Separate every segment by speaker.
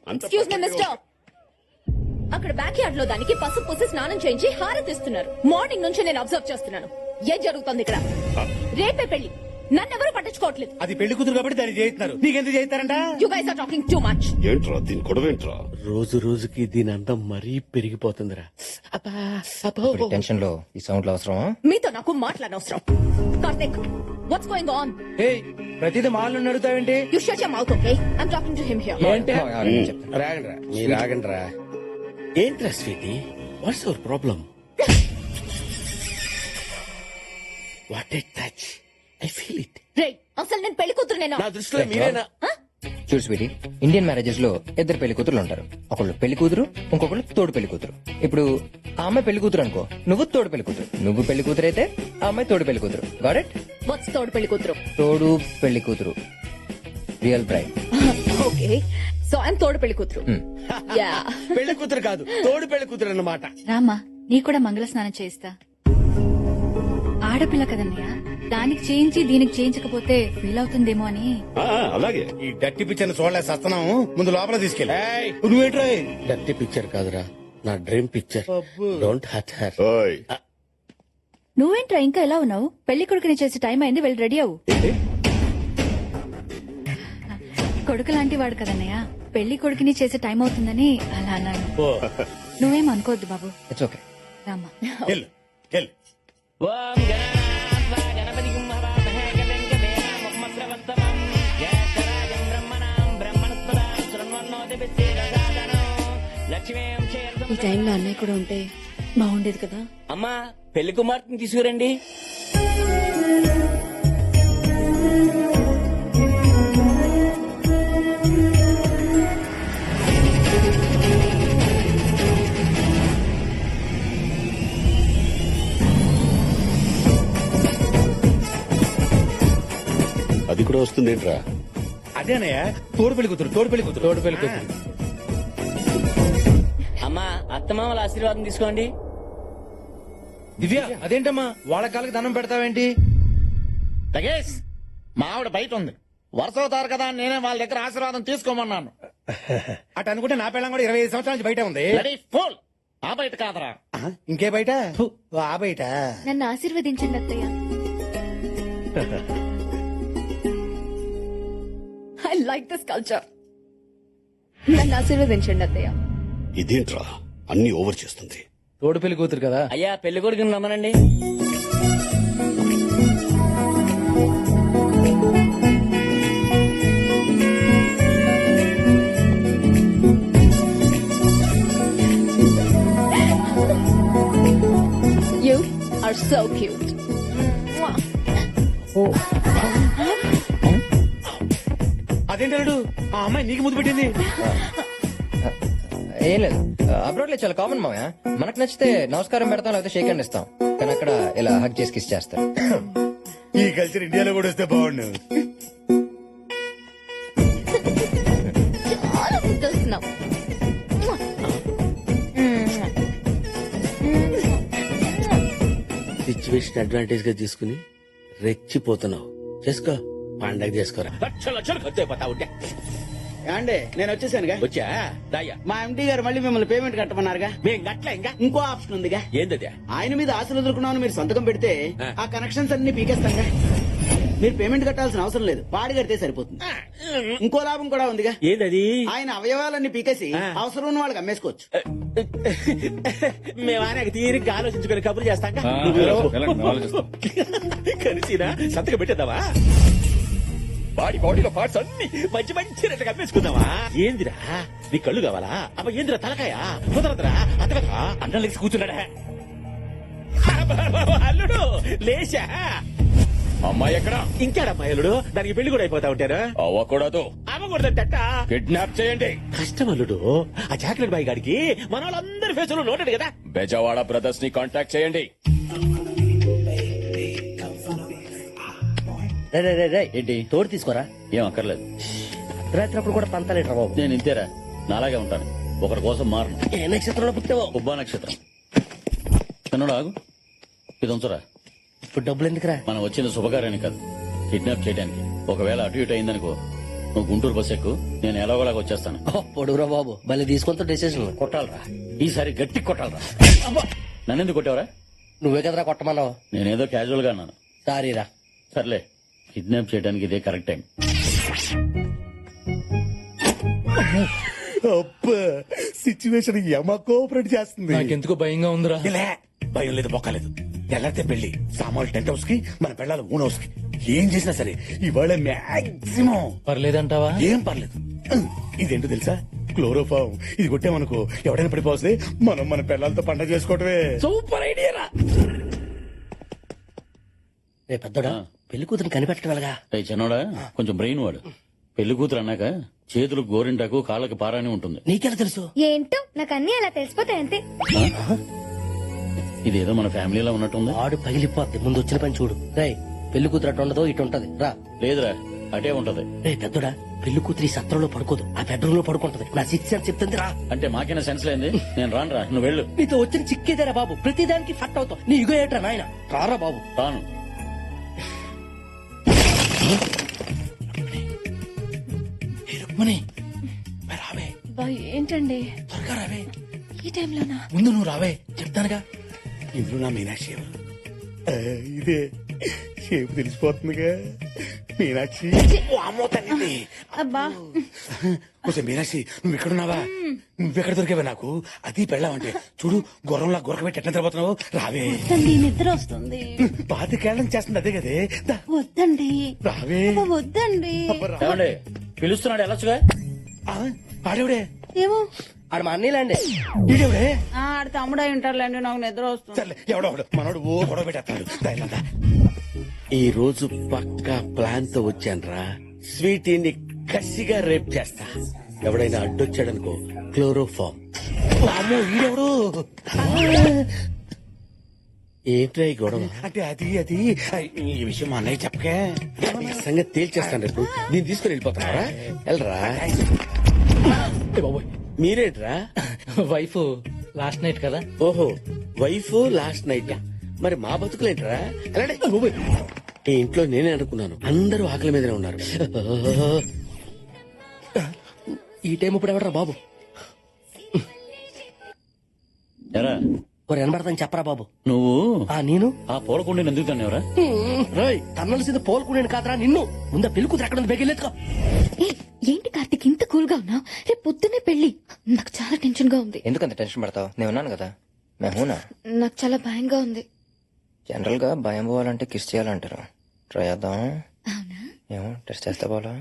Speaker 1: Excuse me mister. అక్కడ backyard లో దానికి పసుపు పూసి స్నానం చేయించి హారతిస్తున్నారు. మార్నింగ్ నుంచి నేను అబ్జర్వ్ చేస్తున్నాను. ఏం జరుగుతుంది ఇక్కడ? రేపే పెళ్లి, నన్నెవరూ పట్టించుకోవట్లేదు.
Speaker 2: అది పెళ్లి కూతురు కాబట్టి దాన్ని చేయిస్తున్నారు. నీకెందుకు చేయిస్తారంట?
Speaker 1: You guys are talking too much.
Speaker 3: ఏంట్రా దీని గొడవేంట్రా?
Speaker 4: రోజు రోజుకి దీని అందం మరీ పెరిగిపోతుందిరా.
Speaker 5: టెన్షన్ లో ఈ సౌండ్లు అవసరమా?
Speaker 1: మీతో నాకు మాట్లాడనవసరం. Karthik, what's going on?
Speaker 2: ప్రతిదీ మాలను అడుగుతావేంటి?
Speaker 1: You shut your mouth, okay? I'm talking to him here.
Speaker 2: ఏంటి?
Speaker 4: రాగండ్రా, మీరు రాగండ్రా. ఏంట్రా sweetie, what's your problem? What a touch, I feel it.
Speaker 1: రే, అసలు నేను పెళ్లి కూతురు నేను.
Speaker 4: నా దృష్టిలో మీరేనా?
Speaker 5: చూడు స్వీటీ, ఇండియన్ మ్యారేజెస్ లో ఇద్దరు పెళ్లి కూతురు ఉంటారు. ఒకళ్ళు పెళ్లి కూతురు, ఇంకొకళ్ళు తోడు పెళ్లి కూతురు. ఇప్పుడు ఆ అమ్మాయి పెళ్లి కూతురు అనుకో, నువ్వు తోడు పెళ్లి కూతురు. నువ్వు పెళ్లి కూతురు అయితే ఆ అమ్మాయి తోడు పెళ్లి కూతురు. Got it?
Speaker 1: వాట్స్ తోడు పెళ్లి కూతురు?
Speaker 5: తోడు పెళ్లి కూతురు, real bride.
Speaker 1: Okay, so I'm తోడు పెళ్లి కూతురు. యా.
Speaker 4: పెళ్లి కూతురు కాదు, తోడు పెళ్లి కూతురు అన్నమాట.
Speaker 6: రామా, నీ కూడా మంగళ స్నానం చేయిస్తా. ఆడపిల్ల కదన్నయ్య, దానికి చేయించి దీనికి చేయించకపోతే ఫీల్ అవుతుందేమో అని.
Speaker 3: అలాగే.
Speaker 2: ఈ డట్టి పిక్చర్ చూడలే సస్తున్నాము. ముందు లోపల తీసుకెళ్ళి.
Speaker 4: ఏయ్,
Speaker 2: నువ్వేంట్రా?
Speaker 4: డర్టీ పిక్చర్ కాదురా, నా dream picture. Don't hurt her.
Speaker 3: ఓయ్
Speaker 6: నువ్వేంట్రా ఇంకా ఎలా ఉన్నావు? పెళ్లి కొడుకుని చేసే టైం అయింది, వెళ్ళి రెడీ అవ్వు. కొడుకు లాంటి వాడు కదన్నయ్య, పెళ్లి కొడుకుని చేసే టైం అవుతుందని అలా అన్నాను. నువ్వేం అనుకోవద్దు బాబు.
Speaker 5: It's okay.
Speaker 6: రామా,
Speaker 2: వెళ్ళు వెళ్ళు.
Speaker 1: ఈ టైంలో అన్నయ్య కూడా ఉంటే బాగుండేది కదా.
Speaker 7: అమ్మా, పెళ్లి కుమార్తెని తీసుకురండి.
Speaker 3: అది కూడా వస్తుందేంట్రా?
Speaker 2: అదేనయ్యా, తోడు పెళ్లి కూతురు, తోడు పెళ్లి కూతురు, తోడు పెళ్లి కూతురు.
Speaker 7: అమ్మా, అత్తమామల ఆశీర్వాదం తీసుకోండి.
Speaker 2: దివ్య, అదేంటమ్మా వాళ్ళ కాళ్ళకి దండం పెడతావేంటి?
Speaker 8: లగేష్, మా ఆవిడ బయట ఉంది. వరుస అవుతారు కదా అని నేనే వాళ్ళ దగ్గర ఆశీర్వాదం తీసుకోమన్నాను.
Speaker 2: అటు అనుకుంటే నా పిల్లం కూడా 25 సంవత్సరాల నుంచి బయట ఉంది.
Speaker 8: Ready full. ఆ బయట కాదరా.
Speaker 2: ఇంకే బయట? ఫు, ఆ బయట.
Speaker 6: నన్ను ఆశీర్వదించండి అత్తయ్య.
Speaker 1: I like this culture. నన్ను ఆశీర్వదించండి అత్తయ్య.
Speaker 3: ఇదేంట్రా అన్ని ఓవర్ చేస్తుంది?
Speaker 2: తోడు పెళ్లి కూతురు కదా.
Speaker 7: అయ్యా, పెళ్లి కొడుకుని రమ్మనండి.
Speaker 1: You are so cute.
Speaker 2: అదేంటాడు, ఆ అమ్మాయి నీకు ముద్దు పెట్టింది.
Speaker 5: ఏం లేదు, అబ్రాడ్ లో చాలా కామన్ మామయ్య. మనకు నచ్చితే నమస్కారం పెడతాం, లేకపోతే షేక్ హ్యాండ్ ఇస్తాం. కానీ అక్కడ ఇలా హగ్ చేసి కిస్ చేస్తారు.
Speaker 2: ఈ కల్చర్ ఇండియాలో కూడా వస్తే బాగుండు.
Speaker 1: చాలా ముద్దొస్తున్నావు.
Speaker 4: సిచ్యువేషన్ అడ్వాంటేజ్ గా తీసుకుని రెచ్చిపోతున్నావు. చేసుకో, పండగ చేసుకోరా.
Speaker 8: లక్షలు లక్షలు ఖర్చు అయిపోతా ఉంటే.
Speaker 9: అండి నేను వచ్చేసానుగా.
Speaker 8: వచ్చా దాయ్యా.
Speaker 9: మా ఎండి గారు మళ్ళీ మిమ్మల్ని పేమెంట్ కట్టమన్నారుగా.
Speaker 8: మేం గట్ల ఇంకా
Speaker 9: ఇంకో ఆప్షన్ ఉందిగా.
Speaker 8: ఏందది?
Speaker 9: ఆయన మీద ఆశలు వదులుకున్నామని మీరు సంతకం పెడితే ఆ కనెక్షన్స్ అన్ని పీకేస్తాంగా. మీరు పేమెంట్ కట్టాల్సిన అవసరం లేదు, వాడి కడితే సరిపోతుంది. ఇంకో లాభం కూడా ఉందిగా.
Speaker 8: ఏందది?
Speaker 9: ఆయన అవయవాలన్నీ పీకేసి అవసరం ఉన్న వాళ్ళకి అమ్మేసుకోవచ్చు.
Speaker 8: మేము ఆయన తీరిగ్గా ఆలోచించుకుని కబుర్లు చేస్తాం. కలిసినా సంతకం పెట్టేద్దామా? బాడీలో పార్ట్స్ అన్ని మంచి మంచి రెట్టు అమ్మేసుకుందామా? ఏందిరా, నీ కళ్ళు కావాలా? అబ్బ ఏందిరా తలకాయ? కుదరదురా, అతగదా అన్నం లేచి కూర్చున్నాడా? అల్లుడు లేచా.
Speaker 10: అమ్మాయి ఎక్కడ?
Speaker 8: ఇంకాడమ్మాయి అల్లుడు, దానికి పెళ్లి కూడా అయిపోతా ఉంటారు.
Speaker 10: అవ్వకూడదు.
Speaker 8: అవ్వకూడదంట.
Speaker 10: కిడ్నాప్ చేయండి.
Speaker 8: కష్టం అల్లుడు, ఆ చాక్లెట్ బాయ్ గాడికి మన వాళ్ళందరి ఫేసులు నోటెడ్ కదా.
Speaker 10: బెజవాడ బ్రదర్స్ ని కాంటాక్ట్ చేయండి.
Speaker 7: ఏంటి తోడు తీసుకోరా?
Speaker 10: ఏం అక్కర్లేదు.
Speaker 7: రాత్రి కూడా పంతలేట్రా బాబు.
Speaker 10: నేను ఇంతేరా, నాలాగే ఉంటాను. ఒకరి కోసం మారను.
Speaker 7: ఏ నక్షత్రంలో పుట్టావో?
Speaker 10: ఉబ్బా నక్షత్రం. కన్నడ ఆగు, ఇది ఉంచరా.
Speaker 7: ఇప్పుడు డబ్బులు ఎందుకురా?
Speaker 10: మనం వచ్చిన శుభకార్యానికి కాదు, కిడ్నాప్ చేయడానికి. ఒకవేళ అటు ఇటు అయిందనుకో, నువ్వు గుంటూరు బస్ ఎక్కు, నేను ఎలాగోలాగా వచ్చేస్తాను.
Speaker 7: పొడుగురా బాబు భలే తీసుకుంటా డెసిషన్.
Speaker 10: కొట్టాలరా, ఈసారి గట్టి కొట్టాలరా. నన్ను ఎందుకు కొట్టావరా?
Speaker 7: నువ్వే కదరా కొట్టమన్నావు.
Speaker 10: నేనేదో క్యాజువల్ గా అన్నాను.
Speaker 7: సారీరా.
Speaker 10: సర్లే, కిడ్నాప్ చేయడానికి ఇదే కరెక్ట్ టైం.
Speaker 8: సిచ్యువేషన్ యమ కోఆపరేట్ చేస్తుంది.
Speaker 2: నాకెందుకో భయంగా ఉందిరా.
Speaker 8: ఇలా భయం లేదు, బొక్కలేదు. ఎల్లతే పెళ్లి సామాన్లు టెంట్ హౌస్ కి, మన పెళ్ళాలి ఓన్ హౌస్ కి. ఏం చేసినా సరే ఇవాళ మాక్సిమం
Speaker 2: పర్లేదంటావా?
Speaker 8: ఏం పర్లేదు. ఇదేంటో తెలుసా? క్లోరోఫామ్. ఇది కొట్టామనుకో ఎవడైనా పడిపోతే మనం మన పిల్లలతో పండగ చేసుకోవటమే.
Speaker 7: సూపర్ ఐడియా రా. రే పెద్దోడా, పెళ్లి కూతురు కనిపెట్టడం ఎలాగా?
Speaker 10: ఏయ్ చిన్నోడా, కొంచెం బ్రెయిన్ వాడు. పెళ్లి కూతురు అన్నాక చేతులకు గోరింటాకు, కాళ్ళకి పారాని ఉంటుంది.
Speaker 7: నీకెలా తెలుసు?
Speaker 6: ఏంటో నాకు అన్ని అలా తెలిసిపోతాయి అంతే.
Speaker 10: ఇదేదో మన ఫ్యామిలీలో ఉన్నట్టుంది.
Speaker 7: ఆడు పగిలిపోద్ది. ముందు వచ్చిన పని చూడు. రే పెళ్లి కూతురు అటు ఉండదో ఇటు ఉంటది. రా.
Speaker 10: లేదురా, అటే ఉంటది.
Speaker 7: రే పెద్దోడా, పెళ్లి కూతురు ఈ సత్రంలో పడుకోదు, ఆ బెడ్రూమ్ లో పడుకుంటది. నా సిక్స్ అని చెప్తుంది. రా.
Speaker 10: అంటే మాకైనా సెన్స్ లేంది. నేను రానురా, నువ్వు వెళ్ళు.
Speaker 7: నీతో వచ్చిన చిక్కేదేరా బాబు, ప్రతిదానికి ఫట్ అవుతావు. నీ ఇగో ఏట్రా నాయన. రారా బాబు.
Speaker 10: రాను.
Speaker 2: రావే,
Speaker 6: ఏంటండి
Speaker 2: త్వరగా రావే.
Speaker 6: ఈ టైంలోనా?
Speaker 2: ముందు నువ్వు రావే, చెప్తానుగా.
Speaker 8: ఇందులో నా మీనాక్షి ఎవరు? ఇదే షేపు తెలిసిపోతుందిగా. మీనాక్షి. ఓ అమ్మో తల్లి.
Speaker 6: అబ్బా
Speaker 8: కొంచెం మీనాక్షి, నువ్వు ఎక్కడున్నావా? నువ్వెక్కడ దొరికావా నాకు? అది పెళ్ళావంటే చూడు, గుర్రంలా గురక పెట్టి ఎట్లా తిరగబోతున్నావు. రావే.
Speaker 6: వద్దండి, నిద్ర వస్తుంది.
Speaker 8: పాతికేళ్ళం చేస్తుంది అదే కదే. దా,
Speaker 6: వద్దండి,
Speaker 8: రావే.
Speaker 6: వద్దండి.
Speaker 8: అబ్బా, రా.
Speaker 10: ఏమండి, పిలుస్తున్నాడు, వెళ్ళొచ్చుగా.
Speaker 8: ఆ, ఆడేవిడే?
Speaker 6: ఏమో.
Speaker 7: ఆడు మా అన్నీలాండి.
Speaker 8: ఈడేవిడే?
Speaker 1: ఆడు తమ్ముడై ఉంటారులేండి, నాకు నిద్ర వస్తుంది.
Speaker 8: సర్లే, ఎవడో మనోడు ఓ గొడవ పెట్టేస్తాడు. దా, ఇలా దా.
Speaker 4: ఈ రోజు పక్కా ప్లాన్ తో వచ్చానురా. స్వీటీని కసిగా రేప్ చేస్తా. ఎవడైనా అడ్డొచ్చాడనుకో క్లోరోఫామ్.
Speaker 8: అమ్మో, ఈడెవడు?
Speaker 4: ఏంట్రా ఈ గొడవ?
Speaker 8: అంటే అది ఈ విషయం మా అన్నయ్య చెప్పకే.
Speaker 4: ఈ సంగతి తేల్చేస్తాను రేపు. దీన్ని తీసుకుని వెళ్ళిపోతారా? వెళ్ళరా. మీరేంట్రా?
Speaker 2: వైఫ్ లాస్ట్ నైట్ కదా.
Speaker 4: ఓహో, వైఫ్ లాస్ట్ నైట్. మరి మా బతుకులేంట్రా? వెళ్ళండి. ఈ ఇంట్లో నేనే అనుకున్నాను, అందరూ ఆకలి మీదనే ఉన్నారు.
Speaker 7: ఈ టైం ఇప్పుడు ఎవడరా బాబు?
Speaker 10: ఎరా,
Speaker 7: ఓ ఎనబడతాను చెప్పరా బాబు.
Speaker 10: నువ్వు
Speaker 7: నేను
Speaker 10: ఆ పూలకుండి ఎందుకు తన్నావురా?
Speaker 7: తన్నలసింది పోల్కునేను కాదరా నిన్ను. ముందా పెళ్లి కూతురు ఎక్కడ ఉంది? బెగిలేదుకో.
Speaker 6: ఏంటి కార్తీక్ ఇంత కూల్ గా ఉన్నావు? రేపు పొద్దున్నే పెళ్లి. నాకు చాలా టెన్షన్ గా ఉంది.
Speaker 5: ఎందుకంత టెన్షన్ పడతావు? నేను ఉన్నాను కదా. మేమునా.
Speaker 6: నాకు చాలా భయంగా ఉంది.
Speaker 5: జనరల్ గా భయం పోవాలంటే కిస్ చేయాలంటారు. ట్రై చేద్దాం.
Speaker 6: అవునా?
Speaker 5: ఏమో టెస్ట్ చేస్తా పోలా.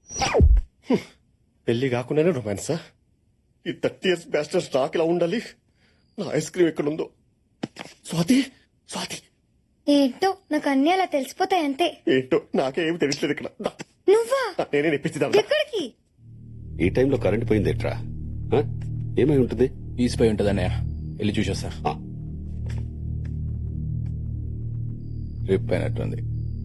Speaker 3: పెళ్లి కాకుండానే రొమాన్సా? ఈ 30 years బ్యాస్టర్ స్టాక్ ఇలా ఉండాలి. నా ఐస్ క్రీమ్ ఎక్కడుందో? స్వాతి, స్వాతి.
Speaker 6: ఏంటో నాకు అన్ని అలా తెలిసిపోతాయి అంతే.
Speaker 3: ఏంటో నాకే ఏమి తెలియట్లేదు ఇక్కడ. దా,
Speaker 6: నువ్వా?
Speaker 3: నేనే నెప్పించిదా.
Speaker 6: ఎక్కడికి?
Speaker 3: ఈ టైంలో కరెంట్ పోయిందేట్రా? ఏమై ఉంటుంది?
Speaker 2: ఈసిపోయి ఉంటది అన్నయ్య, వెళ్ళి చూసొస్తా.
Speaker 3: ఆ,
Speaker 2: రిప్ అయినట్టుంది.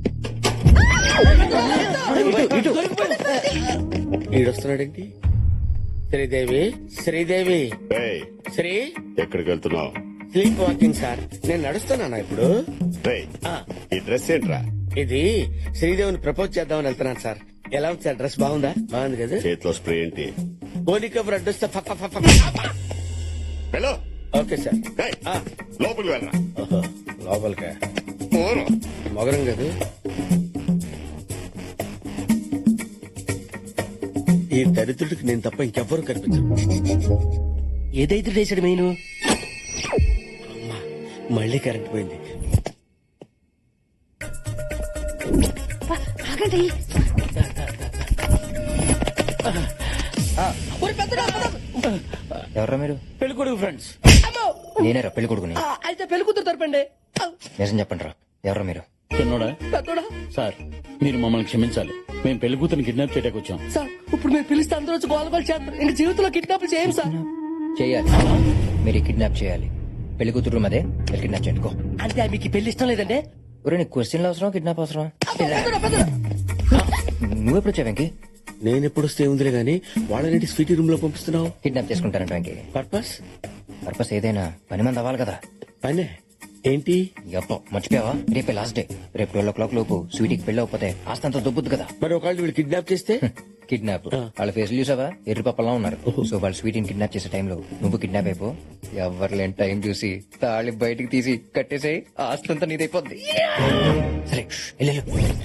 Speaker 4: ఈడొస్తున్నాడేంటి? శ్రీదేవి, శ్రీదేవి.
Speaker 3: ఏయ్,
Speaker 4: శ్రీ,
Speaker 3: ఎక్కడికి వెళ్తున్నావు?
Speaker 4: Sleepwalking sir. నేను నడుస్తున్నానా ఇప్పుడు?
Speaker 3: రేయ్, ఈ డ్రెస్ ఏంట్రా?
Speaker 4: ఇది శ్రీదేవిని ప్రపోజ్ చేద్దామని వెళ్తున్నాను సార్. ఎలా ఉంది సార్? డ్రెస్ బాగుందా? బాగుంది కదా.
Speaker 3: చేతిలో స్ప్రే ఏంటి?
Speaker 4: గోలికబుర్ అడ్డొస్తే
Speaker 3: హలో.
Speaker 4: Okay sir.
Speaker 3: ఏయ్, లోపలికి వెళ్ళరా.
Speaker 4: ఓహో, లోపలికా?
Speaker 3: పోను.
Speaker 4: మొగరం కదా. ఈ దరిద్రుడికి నేను తప్ప ఇంకెవ్వరూ కనిపించరు.
Speaker 7: ఏదైతే చేసాడు మెయిన్.
Speaker 4: అమ్మా, మళ్ళీ కరెంట్ పోయింది.
Speaker 6: ఆగండి.
Speaker 5: ఎవరా మీరు?
Speaker 10: పెళ్లి కొడుకు ఫ్రెండ్స్.
Speaker 5: నేనేరా పెళ్లి కొడుకుని.
Speaker 7: అయితే పెళ్లి కూతురు తరపండి.
Speaker 5: నిజం చెప్పండి రా, ఎవరా మీరు?
Speaker 10: చిన్నోడా,
Speaker 7: పెద్దోడా.
Speaker 10: సార్ మీరు మమ్మల్ని క్షమించాలి. మేము పెళ్లి కూతురిని కిడ్నాప్ చేయడానికి వచ్చాం.
Speaker 7: సార్ ఇప్పుడు మీరు పిలిస్తే అందరూ వచ్చి గోల గోల చేస్తారు. ఇంక జీవితంలో కిడ్నాప్ చేయం సార్.
Speaker 5: చేయాలి, మీరు కిడ్నాప్ చేయాలి. పెళ్లి కూతురు అదే, మీరు కిడ్నాప్ చేయండి.
Speaker 7: అంటే మీకు ఈ పెళ్లి ఇష్టం లేదండి?
Speaker 5: ఒరే నీకు క్వశ్చన్లు అవసరం, కిడ్నాప్ అవసరం? నువ్వెప్పుడు వచ్చావు వెంకీ?
Speaker 4: నేనెప్పుడు వస్తే ఉందిలే గానీ వాళ్ళని స్వీటీ రూమ్ లో పంపిస్తున్నావు.
Speaker 5: కిడ్నాప్ చేసుకుంటారంట వెంకీ.
Speaker 4: పర్పస్?
Speaker 5: పర్పస్ ఏదైనా పని మంది అవ్వాలి కదా.
Speaker 4: పనే ఏంటి?
Speaker 5: అబ్బో మర్చిపోయావా? రేపే లాస్ట్ డే. రేపు 12 o'clock లోపు స్వీటీకి పెళ్లి అవ్వకపోతే ఆస్తంతా దొబ్బుద్దు కదా.
Speaker 4: మరి ఒకళ్ళు వీళ్ళు కిడ్నాప్ చేస్తే?
Speaker 5: కిడ్నాప్ వాళ్ళ ఫేస్ చూసావా ఎర్రి పప్పలా ఉన్నారు సో వాళ్ళు స్వీట్ కిడ్నాప్ చేసే టైంలో నువ్వు కిడ్నాప్ అయిపో ఎవరు లేని టైం చూసి తాళి బయటికి తీసి కట్టేసేయి ఆస్తంతా నీదైపోద్ది
Speaker 7: సరే వెళ్ళు